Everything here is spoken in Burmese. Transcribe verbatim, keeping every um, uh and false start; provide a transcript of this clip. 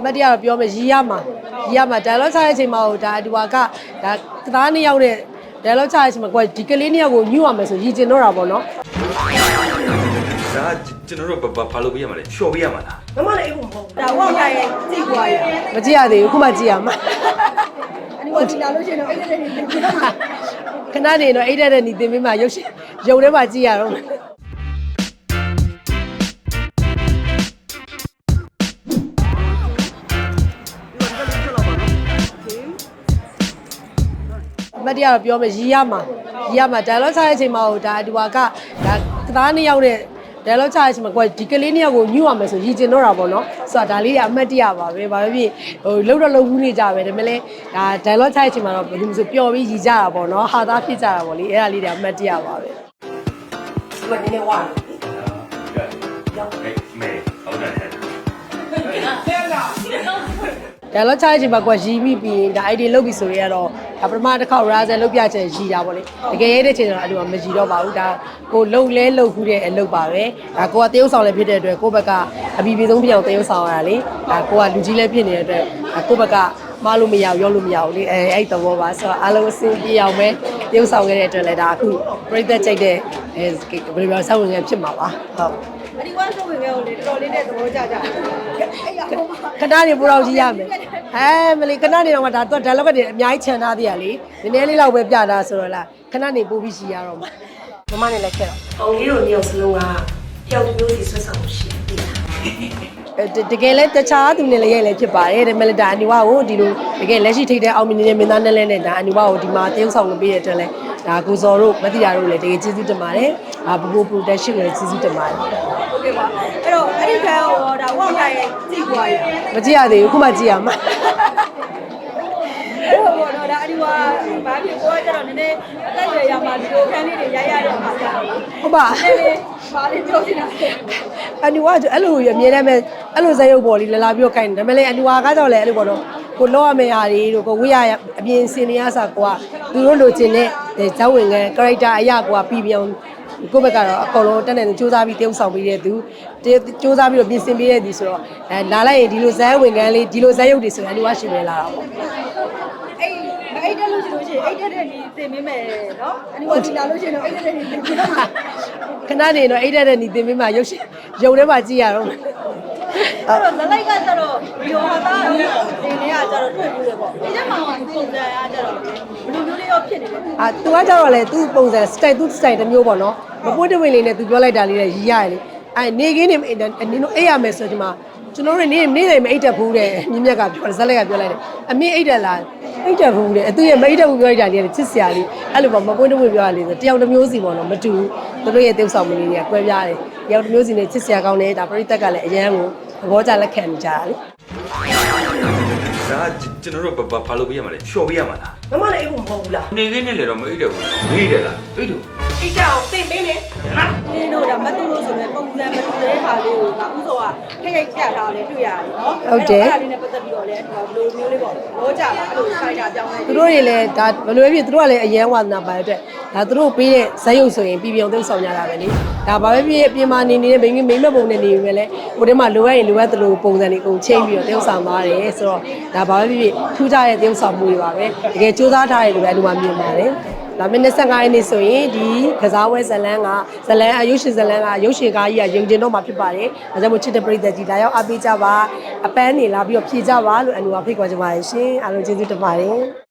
မတ်တရားတော့ပြောမယ်ရီးရမှာရီးရမှာ dialogue ချတဲ့အချိန်မှာဒါအတူကဒါကသားနှစ်ယောက်နဲ့ dialogue ချတဲ့အချိန်မှာကိုဒီကလေးနှစ်ယောက်ကိုညှို့ရမယ်ဆိုရည်ကျင်တော့တာပေါ့နော်ဒါကျွန်တော်တို့ဘာလို့ပြရမှာလဲလျှော်ပြရမှာလားမမလည်းအိမ်မဟုတ်ဘူးဒါဝေါ့တိုင်းရဲ့ကြည့်ပွားရမကြည့်ရသေးဘူးခုမှကြည့်ရမှာအနီဝတီလာလို့ရှိရင်တော့အိတ်တဲ့နေတင်ပြမှာခဏနေတော့အိတ်တဲ့နေတင်ပေးမှရုပ်ရှင်ရုပ်ထဲမှာကြည့်ရတော့မတ်တရားတော့ပြောမယ်ရီးရမှာရီးရမှာ dialogue ချတဲ့အချိန်မှာဒါအတူကဒါကသားနှစ်ယောက်နဲ့ dialogue ချတဲ့အချိန်မှာကိုဒီကလေးနှစ်ယောက်ကိုညှို့ရမယ်ဆိုရည်ကျင်တော့တာပေါ့နော်ဆိုတော့ဒါလေးတွေအမှတ်တရပါပဲဘာပဲဖြစ်ဟိုလှုပ်တော့လှုပ်ဘူးနေကြပဲဒါပေမဲ့လည်းဒါ dialogue ချတဲ့အချိန်မှာတော့ဘယ်လိုဆိုပျော်ပြီးရည်ကြတာပေါ့နော်ဟာသားဖြစ်ကြတာပေါ့လေအဲ့ဒါလေးတွေအမှတ်တရပါပဲဒီမှာနည်းနည်းဝါရောက်မေဟုတ်တယ်ဒါတော့ချားချင်ပါကွာရီးမိပြီးဒါ idea လုပ်ပြီးဆိုရင်ကတော့ဒါပထမတစ်ခေါက် razzle လုပ်ပြချက်ရီးတာပေါ့လေတကယ်ရဲတဲ့ချိန်တော့အဲ့လိုမရီးတော့ပါဘူးဒါကိုလှုပ်လဲလှုပ်ခုတဲ့အလုပ်ပါပဲဒါကိုကတရုပ်ဆောင်လည်းဖြစ်တဲ့အတွက်ကိုယ့်ဘက်ကအပီပီဆုံးပြောင်းတရုပ်ဆောင်ရတာလေဒါကိုကလူကြီးလည်းဖြစ်နေတဲ့အတွက်ကိုယ့်ဘက်ကမလို့မရဘူးရောလို့မရဘူးလေအဲအဲ့သဘောပါဆိုတော့အားလုံးအဆင်ပြေအောင်ပဲတရုပ်ဆောင်ခဲ့တဲ့အတွက်လည်းဒါအခုပြိသက်ကြိုက်တဲ့အဲဘယ်လိုပြောဆောက်ဝင်ငယ်ဖြစ်မှာပါဟုတ်အဒီဝမ်ဆိုဝင်ခဲ့ကိုလေတော်တော်လေးနဲ့သဘောကျကြအဲ့ရဟိုမှာခဏနေပူတော့ကြည့်ရမယ်ဟဲမလီခဏနေတော့မှဒါတော့ dialogue တွေအများကြီးခြံထားသေးရလေနည်းနည်းလေးတော့ပဲပြတာဆိုတော့လားခဏနေပူပြီးရှိရတော့မှာမမနဲ့လည်းခဲ့တော့အောင်ကြီးတို့မျိုးစလုံးကပျောက်မျိုးစီဆွတ်ဆောင်ရှိတယ်တကယ်လဲတခြားသူနဲ့လည်းရိုက်လည်းဖြစ်ပါတယ်ဒါပေမဲ့ဒါအနီဝါကိုဒီလိုတကယ်လက်ရှိထိတဲ့အောင်မြင်နေတဲ့မင်းသားနဲ့လည်းနဲ့ဒါအနီဝါကိုဒီမှာတရုပ်ဆောင်လုပ်ပေးတဲ့အတွက်လဲဒါကိုစော်တို့မတိရတို့လည်းတကယ်ကျေးဇူးတင်ပါတယ်ဒါဘူဘူ production ကိုလည်းကျေးဇူးတင်ပါတယ်ဟုတ်ကဲ့ပါအဲ့တော့အဲ့ဒီခံရောဒါဝေါ့တိုင်းရဲ့ကြည့်ပွားရမကြည့်ရသေးဘူးခုမှကြည့်ရမှာအဲ့တော့တော့ဒါအဒီဝါဘာဖြစ်ကိုကျတော့နည်းနည်းအသက်ရွယ်ရမှာဒီလိုခန်းလေးတွေရိုက်ရတဲ့အခါကျတော့ဟုတ်ပါနည်းနည်းဘာလေးပြောချင်တာအနီဝါကျအဲ့လိုရအမြဲတမ်းပဲအဲ့လိုဇက်ရုပ်ပေါ်လေးလာလာပြီးတော့ခိုင်းတယ်ဒါပေမဲ့လည်းအနီဝါကတော့လည်းအဲ့လိုပေါ့နော်ကိုလောက်ရမယ့်ဟာတွေတို့ကိုဝိရအပြင်စင်နေရစားကိုကသူတို့လိုချင်တဲ့ဇောင်းဝင်က character အရာကိုကပြီးပြောင်းကိုယ့်ဘက်ကတော့အကုန်လုံးတက်နေစူးစမ်းပြီးတရုပ်ဆောင်ပေးတဲ့သူစူးစမ်းပြီးတော့ပြင်ဆင်ပေးတဲ့သူဆိုတော့အဲလာလိုက်ရင်ဒီလိုဇက်ဝင်ကန်းလေးဒီလိုဇက်ရုပ်တွေဆိုရင်အနီဝါရှင်ပဲလာတာပေါ့အဲ့အဲ့တက်လို့ရှိလို့ရှိရင်အဲ့တက်တဲ့ဒီသင်ပေးမယ်နော်အနီဝတီလာလို့ရှိရင်တော့အဲ့တက်တဲ့ဒီသင်ပေးမှာခဏနေတော့အဲ့တက်တဲ့ဒီသင်ပေးမှာရုပ်ရှင်ရုပ်ထဲမှာကြည့်ရတော့အဲ့တော့ဇလိုက်ကကျတော့ဒီဟောသားဒီနေကကျတော့တွေ့ဘူးလေပေါ့ဒီချက်မှာကပုံစံအားကျတော့ဘယ်လိုမျိုးလေးရောဖြစ်နေလဲအာ तू ကကျတော့လေ तू ပုံစံ style သူ style တစ်မျိုးပေါ့နော်မပွတ်တဝင်းလေးနဲ့ तू ပြောလိုက်တာလေးနဲ့ရီးရတယ်လေအဲနေခင်းနေနင်တို့အိတ်ရမယ်ဆိုဒီမှာကျွန်တော်တို့နေနေတယ်မအိတ်တက်ဘူးတဲ့မြင်းမြက်ကပြောဇက်လက်ကပြောလိုက်တယ်အမင်းအိတ်တက်လားအိတ်တက်ဘူးတဲ့သူရဲ့မအိတ်တက်ဘူးပြောလိုက်တာလေးချစ်စရာလေးအဲ့လိုပေါ့မပွတ်တဝင်းပြောရလေးဆိုတယောက်တစ်မျိုးစီပေါ့နော်မတူဘူးသူတို့ရဲ့တုပ်ဆောင်မလေးတွေကကွဲပြားတယ်တယောက်တစ်မျိုးစီနဲ့ချစ်စရာကောင်းတယ်ဒါပရိသတ်ကလည်းအရန်ကိုသဘောကျလက်ခံနေကြတာလေဒါကျွန်တော်တို့ဘာလို့ပြရမှာလဲလျှော်ပြရမှာလားမမလည်းအိမ်မဟုတ်ဘူးလားနေခင်းနဲ့လည်းတော့မအိတ်တယ်ဘူးမေးတယ်လားအိတ်တယ်အိတ်ကြောင်သိပေးလေနော်ဒီတို့ဒါမတူလို့ဆိုရင်ပုံစံမတူတဲ့ဟာလေးကိုငါဥစောကခိတ်ခိတ်ပြတာလည်းတွေ့ရတယ်နော်ဟုတ်တယ်အဲ့ဒါလေးနဲ့ပတ်သက်ပြီးတော့လည်းဘယ်လိုမျိုးလေးပေါ့လောကြတာအဲ့လိုခိုင်းတာပြောင်းလဲသူတို့တွေလည်းဒါဘယ်လိုဖြစ်သူတို့ကလည်းအရန်ဝါသနာပါတဲ့အတွက်ဒါသူတို့ပေးတဲ့ဇက်ရုပ်ဆိုရင်ပြည်ပြောင်းသိဆောင်ကြတာပဲလေဒါဘာပဲဖြစ်အပြင်မှာနေနေတဲ့မိမိမိမပုံနဲ့နေပြီပဲလေဟိုထဲမှာလိုအပ်ရင်လိုအပ်သလိုပုံစံတွေအကုန်ချိန်ပြီးတော့သိဆောင်သွားတယ်ဆိုတော့ဒါဘာပဲဖြစ်ထူးခြားတဲ့သိဆောင်မှုတွေပါပဲတကယ်စူးစမ်းထားတယ်လို့ပဲအလိုမှမြင်ပါတယ်ဒါမိနစ်၂၅ရက်နေ့ဆိုရင်ဒီကစားပွဲဇလန်းကဇလန်းအယုရှင်ဇလန်းကရုပ်ရှင်ကားကြီးကရုံကျင်တော့မှာဖြစ်ပါတယ်။ဒါကြောင့်မို့ချစ်တဲ့ပရိသတ်ကြီးလာရောက်အားပေးကြပါအပန်းနေလာပြီးတော့ဖြေကြပါလို့အနူအဖိတ်ခေါ်ကြပါရှင်အားလုံးကျေးဇူးတင်ပါတယ်။